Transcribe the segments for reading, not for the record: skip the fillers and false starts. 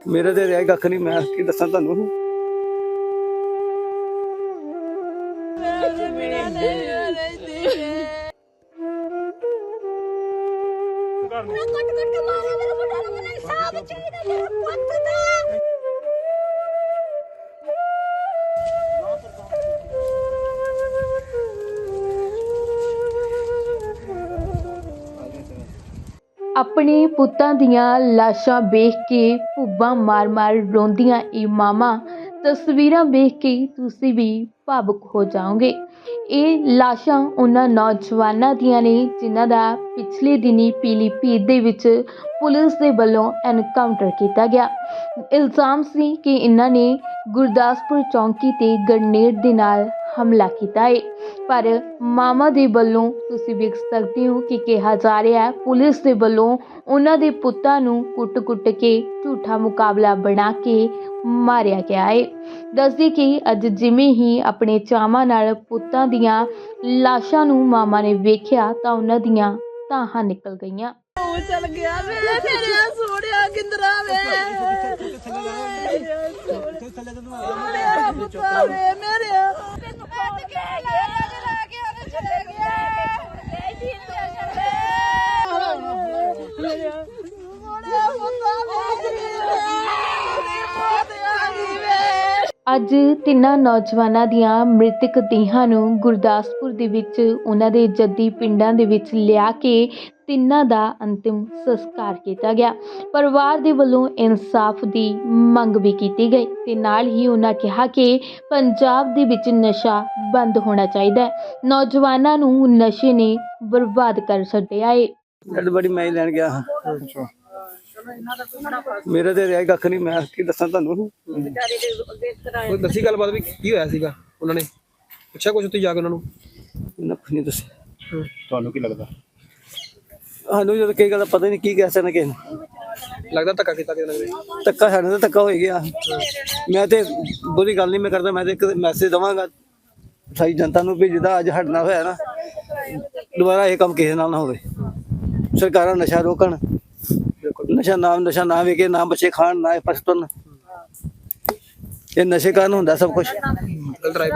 मेरे तो रहा कख नहीं, मैं की दसा तुहानू। ਆਪਣੇ ਪੁੱਤਾਂ ਦੀਆਂ ਲਾਸ਼ਾਂ ਵੇਖ ਕੇ ਭੁੱਬਾਂ ਮਾਰ-ਮਾਰ ਰੋਂਦੀਆਂ ਇਹ ਮਾਵਾਂ ਤਸਵੀਰਾਂ ਵੇਖ ਕੇ ਤੁਸੀਂ ਵੀ ਭਾਵੁਕ ਹੋ ਜਾਓਗੇ। ਇਹ ਲਾਸ਼ਾਂ ਉਹਨਾਂ ਨੌਜਵਾਨਾਂ ਦੀਆਂ ਨੇ ਜਿਨ੍ਹਾਂ ਦਾ ਪਿਛਲੇ ਦਿਨੀ ਪੀਲੀਭੀਤ ਦੇ ਵਿੱਚ ਪੁਲਿਸ ਦੇ ਵੱਲੋਂ ਐਨਕਾਊਂਟਰ ਕੀਤਾ ਗਿਆ। ਇਲਜ਼ਾਮ ਸੀ ਕਿ ਇਹਨਾਂ ਨੇ ਗੁਰਦਾਸਪੁਰ ਚੌਂਕੀ ਤੇ ਗ੍ਰਨੇਡ ਦੇ ਨਾਲ ਹਮਲਾ ਕੀਤਾ ਹੈ, ਪਰ ਮਾਮਾ ਦੇ ਵੱਲੋਂ ਤੁਸੀਂ ਵੇਖ ਸਕਦੇ ਹੋ ਕਿ ਕਿਹਾ ਜਾ ਰਿਹਾ ਹੈ ਪੁਲਿਸ ਦੇ ਵੱਲੋਂ ਉਹਨਾਂ ਦੇ ਪੁੱਤਾਂ ਨੂੰ ਕੁੱਟ-ਕੁੱਟ ਕੇ ਝੂਠਾ ਮੁਕਾਬਲਾ ਬਣਾ ਕੇ ਮਾਰਿਆ ਗਿਆ ਹੈ। ਦੱਸਦੇ ਕਿ ਅੱਜ ਜਿਵੇਂ ਹੀ ਆਪਣੇ ਚਾਵਾਂ ਨਾਲ ਪੁੱਤਾਂ ਦੀਆਂ ਲਾਸ਼ਾਂ ਨੂੰ ਮਾਮਾ ਨੇ ਵੇਖਿਆ ਤਾਂ ਉਹਨਾਂ ਦੀਆਂ ਤਾਹਾਂ ਨਿਕਲ ਗਈਆਂ। चल गया वे मेरे सोनिया किंदरा वे मेरा पुत्ता वे मेरे कट के ला के ओने चले गया मेरा पुत्ता वे ਅੱਜ ਤਿੰਨਾਂ ਨੌਜਵਾਨਾਂ ਦੀਆਂ ਮ੍ਰਿਤਕ ਦੇਹਾਂ ਨੂੰ ਗੁਰਦਾਸਪੁਰ ਦੇ ਵਿੱਚ ਉਹਨਾਂ ਦੇ ਜੱਦੀ ਪਿੰਡਾਂ ਦੇ ਵਿੱਚ ਲਿਆ ਕੇ ਤਿੰਨਾਂ ਦਾ ਅੰਤਿਮ ਸੰਸਕਾਰ ਕੀਤਾ ਗਿਆ। ਪਰਿਵਾਰ ਦੇ ਵੱਲੋਂ ਇਨਸਾਫ ਦੀ ਮੰਗ ਵੀ ਕੀਤੀ ਗਈ ਤੇ ਨਾਲ ਹੀ ਉਹਨਾਂ ਕਿਹਾ ਕਿ ਪੰਜਾਬ ਦੇ ਵਿੱਚ ਨਸ਼ਾ ਬੰਦ ਹੋਣਾ ਚਾਹੀਦਾ ਹੈ। ਨੌਜਵਾਨਾਂ ਨੂੰ ਨਸ਼ੇ ਨੇ ਬਰਬਾਦ ਕਰ ਛੱਡਿਆ ਹੈ। बड़ी मैं ही लैन गया हाँ। मेरे तो रहा कख नहीं, मैं की दसा तुहानू। ਕੋਈ ਦੱਸੀ ਗੱਲਬਾਤ ਵੀ ਕੀ ਹੋਇਆ ਸੀਗਾ? ਉਹਨਾਂ ਨੇ ਪੁੱਛਿਆ ਕੁਝ ਉੱਥੇ ਜਾ ਕੇ ਉਹਨਾਂ ਨੂੰ? नख नहीं दसिया। ਤੁਹਾਨੂੰ ਕੀ ਲੱਗਦਾ? सानू जो कई गल पता नहीं की कह सकना किसी ने। ਲੱਗਦਾ ਧੱਕਾ ਕੀਤਾ ਕਿਸੇ ਨੇ? धक्का साढ़े तो धक्का हो गया। मैं तो बुरी गल नहीं मैं करता, मैं तो एक मैसेज देवांगा सारी जनता नूं भी जिद्दां अज हटना होया ना, दोबारा ये काम किसी नाल ना होवे। सरकारां नशा रोकण, नशा ना वेके, ना बच्चे खाण, ना पछतन। ये नशे कारण हुंदा सब कुछ। ਗਲਤ ਰਾਏ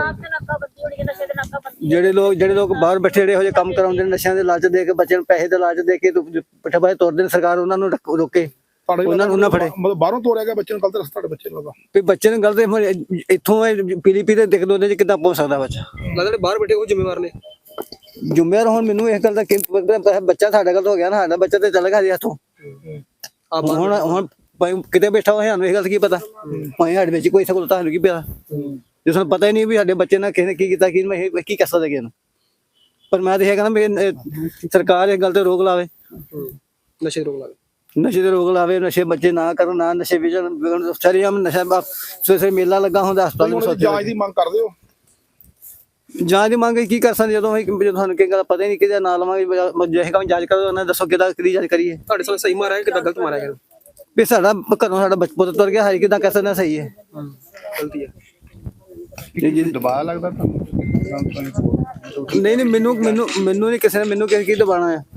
ਜਿਹੜੇ ਲੋਕ ਬਾਹਰ ਬੈਠੇ ਜਿਹੜੇ ਇਹੋ ਜਿਹੇ ਕੰਮ ਕਰਾਉਂਦੇ ਨੇ, ਨਸ਼ਿਆਂ ਦੇ ਲਾਲਚ ਦੇ ਕੇ ਬੱਚਿਆਂ ਨੂੰ ਪੈਸੇ ਦੇ ਲਾਲਚ ਦੇ ਕੇ ਪੱਠੇ ਬਾਹਰ ਤੋਰਦੇ ਨੇ, ਸਰਕਾਰ ਉਹਨਾਂ ਨੂੰ ਰੋਕੇ, ਉਹਨਾਂ ਨੂੰ ਨਾ ਫੜੇ। ਮਤਲਬ ਬਾਹਰੋਂ ਤੋਰਿਆ ਗਿਆ ਬੱਚੇ ਨੂੰ ਗਲਤ ਰਸਤਾ ਤੁਹਾਡੇ ਬੱਚੇ ਨੂੰ ਲੱਗਾ ਵੀ ਬੱਚੇ ਨੂੰ ਗਲਤ ਇੱਥੋਂ ਪੀਲੀਪੀ ਦੇ ਦਿਖ ਦੋਦੇ ਚ ਕਿੱਦਾਂ ਪਹੁੰਚ ਸਕਦਾ ਬੱਚਾ? ਲੱਗਦਾ ਜਿਹੜੇ ਬਾਹਰ ਬੈਠੇ ਉਹ ਜ਼ਿੰਮੇਵਾਰ ਨੇ। ਜ਼ਿੰਮੇਵਾਰ ਹੁਣ ਮੈਨੂੰ ਇਸ ਗੱਲ ਦਾ ਕੀ ਪਤਾ, ਬੱਚਾ ਸਾਡਾ ਗਲਤ ਹੋ ਗਿਆ ਨਾ, ਸਾਡਾ ਬੱਚਾ ਤੇ ਚੱਲ ਗਿਆ ਜੀ ਇੱਥੋਂ। ਹੁਣ ਭਾਵੇਂ ਕਿਤੇ ਬੈਠਾ ਹੋਇਆ ਸਾਨੂੰ ਇਹ ਗੱਲ ਕੀ ਪਤਾ, ਭਾਵੇਂ ਸਾਡੇ ਵਿੱਚ ਕੋਈ ਸਹੂਲਤ ਸਾਨੂੰ ਕੀ ਪਤਾ, ਜੇ ਸਾਨੂੰ ਪਤਾ ਹੀ ਨਹੀਂ ਵੀ ਸਾਡੇ ਬੱਚੇ ਨਾਲ ਕਿਸੇ ਨੇ ਕੀ ਕੀਤਾ, ਕੀ ਕਰ ਸਕਦੇ ਕਿਸੇ ਨੂੰ। ਪਰ ਮੈਂ ਤਾਂ ਇਹ ਕਹਿੰਦਾ ਵੀ ਸਰਕਾਰ ਇਸ ਗੱਲ ਤੇ ਰੋਕ ਲਾਵੇ, ਨਸ਼ੇ ਰੋਕ ਲਾਵੇ, ਨਸ਼ੇ ਤੇ ਰੋਕ ਲਾਵੇ, ਨਸ਼ੇ ਬੱਚੇ ਨਾ ਕਰਨ, ਨਾ ਨਸ਼ੇ ਵਿਕਣ। ਸਾਰੀਆਮ ਨਸ਼ਾ ਸਵੇਰੇ ਮੇਲਾ ਲੱਗਾ ਹੁੰਦਾ ਹਸਪਤਾਲ ਜਾਂਚ ਦੀ ਮੰਗ ਕਰਦੇ ਹੋ? ਜਾਂਚ ਦੀ ਮੰਗ ਕੀ ਕਰ ਸਕਦੇ ਜਦੋਂ ਸਾਨੂੰ ਕੀ ਗੱਲ ਪਤਾ ਹੀ ਨਹੀਂ ਕਿਹਦਾ ਨਾਂ ਲਵਾਂਗੇ। ਜੇ ਕੰਮ ਜਾਂਚ ਕਰੋ ਉਹਨਾਂ ਦੱਸੋ ਕਿਹਦੀ ਜਾਂਚ ਕਰੀਏ। ਤੁਹਾਡੇ ਸਾਹਮਣੇ ਸਹੀ ਮਾਰਿਆ ਕਿੱਦਾਂ ਗਲਤ ਮਾਰਿਆ ਗਿਆ? ਵੀ ਸਾਡਾ ਘਰੋਂ ਸਾਡਾ ਪੁੱਤ ਤੁਰ ਗਿਆ, ਹਾਈ ਕਿੱਦਾਂ ਕਹਿ ਸਕਦੇ ਸਹੀ ਹੈ ਗਲਤੀ ਹੈ। ਦਬਾਅ ਲੱਗਦਾ ਤੁਹਾਨੂੰ? ਨਹੀਂ ਮੈਨੂੰ ਨਹੀਂ ਕਿਸੇ ਨੇ ਮੈਨੂੰ ਕੀ ਦਬਾਣਾ ਹੈ।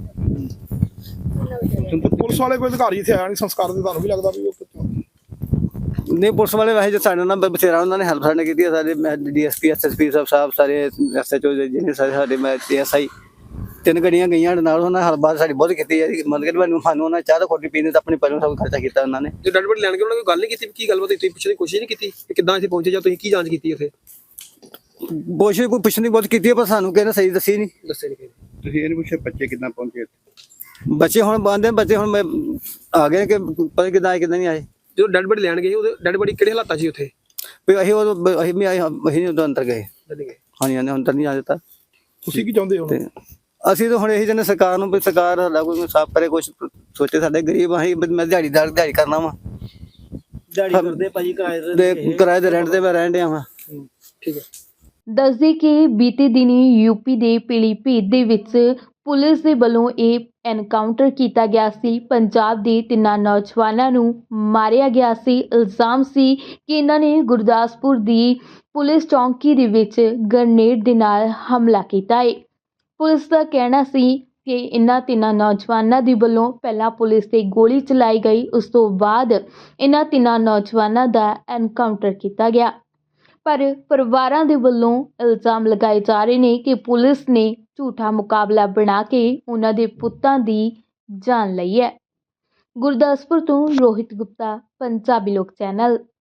ਪੁਲਿਸ ਵਾਲੇ ਕੋਈ ਅਧਿਕਾਰੀ ਇੱਥੇ ਆਇਆ ਨਹੀਂ ਸੰਸਕਾਰ ਦੇ, ਤੁਹਾਨੂੰ ਵੀ ਲੱਗਦਾ ਵੀ ਉਹ ਨਹੀਂ ਪੁਲਿਸ ਵਾਲੇ ਵੈਸੇ ਜੋ ਸਾਡੇ ਨਾਲ ਬਥੇਰਾ ਉਹਨਾਂ ਨੇ ਹੈਲਪ ਸਾਡੇ ਕੀਤੀ ਹੈ। ਸਾਡੇ ਡੀਐਸਪੀ ਐਸਐਸਪੀ ਸਾਹਿਬ ਸਾਰੇ ਐਸਐਚਓ ਜਿਹਨੇ ਸਾਰੇ ਮੈਂ ਐਸਆਈ 3 ਗੱਡੀਆਂ ਗਈਆਂ ਸਾਡੇ ਨਾਲ, ਉਹਨਾਂ ਹਲਬਾਤ ਸਾਡੀ ਬਹੁਤ ਕੀਤੀ ਹੈ। ਮਤਲਬ ਕਿ ਸਾਨੂੰ ਉਹਨਾਂ ਚਾਹ ਤਾਂ ਖੋਟੀ ਪੀਣੀ ਤਾਂ ਆਪਣੇ ਪਰਿਵਾਰ ਸਭ ਖਰਚਾ ਕੀਤਾ ਉਹਨਾਂ ਨੇ। ਜੇ ਡੈਡ ਬੋਡੀ ਲੈਣ ਕੇ ਉਹਨਾਂ ਕੋਈ ਗੱਲ ਨਹੀਂ ਕੀਤੀ ਕੀ ਗੱਲਬਾਤ? ਤੁਸੀਂ ਪੁੱਛਣ ਦੀ ਕੋਸ਼ਿਸ਼ ਨਹੀਂ ਕੀਤੀ ਕਿ ਕਿੱਦਾਂ ਇੱਥੇ ਪਹੁੰਚੇ ਜਾਂ ਤੁਸੀਂ ਕੀ ਜਾਂਚ ਕੀਤੀ ਉੱਥੇ? ਕੋਸ਼ਿਸ਼ ਕੋਈ ਪੁੱਛਣ ਦੀ ਬਹੁਤ ਕੀਤੀ ਹੈ, ਪਰ ਸਾਨੂੰ ਕਿਸੇ ਨੇ ਸਹੀ ਦੱਸੀ ਨਹੀਂ। ਦੱਸੇ ਨਹੀਂ ਕਿਸੇ? ਤੁਸੀਂ ਇਹ ਨਹੀਂ ਪੁੱਛਿਆ ਬੱਚੇ ਕਿੱਦਾਂ ਪਹੁੰਚੇ? ਬੱਚੇ ਹੁਣ ਬੰਦੇ ਬੱਚੇ ਹੁਣ ਮੈਂ ਆ ਗਏ ਕਿ ਪਤਾ ਕਿੱਦਾਂ ਆਏ ਕਿੱਦਾਂ ਨਹੀਂ ਆਏ। ਜਦੋਂ ਡੈਡ ਬੋਡੀ ਲੈਣ ਗਏ ਉਹਦੇ ਡੈਡ ਬੋਡੀ ਕਿਹੜੇ ਹਾਲਾਤਾਂ 'ਚ ਸੀ ਉੱਥੇ? ਵੀ ਅਸੀਂ ਵੀ ਆਏ, ਅਸੀਂ ਉਦੋਂ ਅੰਦਰ ਗਏ। ਹਾਂਜੀ ਹਾਂਜੀ ਅੰਦਰ ਨਹੀਂ ਆ ਦਿੱਤਾ। ਤੁਸੀਂ ਕੀ ਚਾਹੁੰਦੇ ਹੋ? ਤੇ ਅਸੀਂ ਤਾਂ ਹੁਣ ਇਹੀ ਚਾਹੁੰਦੇ ਸਰਕਾਰ ਨੂੰ ਵੀ ਸਰਕਾਰ ਸਾਡਾ ਕੋਈ ਸਾਫ਼ ਕਰੇ, ਕੁਛ ਸੋਚੇ। ਸਾਡੇ ਗਰੀਬ ਅਸੀਂ, ਮੈਂ ਦਿਹਾੜੀ ਕਰਨਾ ਵਾ, ਦਿਹਾੜੀ ਕਰਦੇ ਭਾਜੀ, ਕਿਰਾਏ ਦੇ ਰੈਂਟ ਤੇ ਮੈਂ ਰਹਿਣ ਡਿਆ ਵਾ। ਠੀਕ ਹੈ। ਦੱਸਦੇ ਕਿ ਬੀਤੇ ਦਿਨੀ ਯੂਪੀ ਦੇ ਪੀਲੀਭੀਤ ਦੇ ਵਿੱਚ ਪੁਲਿਸ ਦੇ ਵੱਲੋਂ ਇਹ ਐਨਕਾਊਂਟਰ ਕੀਤਾ ਗਿਆ ਸੀ। ਪੰਜਾਬ ਦੇ ਤਿੰਨਾਂ ਨੌਜਵਾਨਾਂ ਨੂੰ ਮਾਰਿਆ ਗਿਆ ਸੀ। ਇਲਜ਼ਾਮ ਸੀ ਕਿ ਇਹਨਾਂ ਨੇ ਗੁਰਦਾਸਪੁਰ ਦੀ ਪੁਲਿਸ ਚੌਂਕੀ ਦੇ ਵਿੱਚ ਗ੍ਰਨੇਡ ਦੇ ਨਾਲ ਹਮਲਾ ਕੀਤਾ ਹੈ। ਪੁਲਿਸ ਦਾ ਕਹਿਣਾ ਸੀ ਕਿ ਇਹਨਾਂ ਤਿੰਨਾਂ ਨੌਜਵਾਨਾਂ ਦੇ ਵੱਲੋਂ ਪਹਿਲਾਂ ਪੁਲਿਸ ਤੇ ਗੋਲੀ ਚਲਾਈ ਗਈ, ਉਸ ਤੋਂ ਬਾਅਦ ਇਹਨਾਂ ਤਿੰਨਾਂ ਨੌਜਵਾਨਾਂ ਦਾ ਐਨਕਾਊਂਟਰ ਕੀਤਾ ਗਿਆ। ਪਰ ਪਰਿਵਾਰਾਂ ਦੇ ਵੱਲੋਂ ਇਲਜ਼ਾਮ ਲਗਾਏ ਜਾ ਰਹੇ ਨੇ ਕਿ ਪੁਲਿਸ ਨੇ ਝੂਠਾ ਮੁਕਾਬਲਾ ਬਣਾ ਕੇ ਉਹਨਾਂ ਦੇ ਪੁੱਤਾਂ ਦੀ ਜਾਨ ਲਈ ਹੈ। ਗੁਰਦਾਸਪੁਰ ਤੋਂ ਰੋਹਿਤ ਗੁਪਤਾ, ਪੰਜਾਬੀ ਲੋਕ ਚੈਨਲ।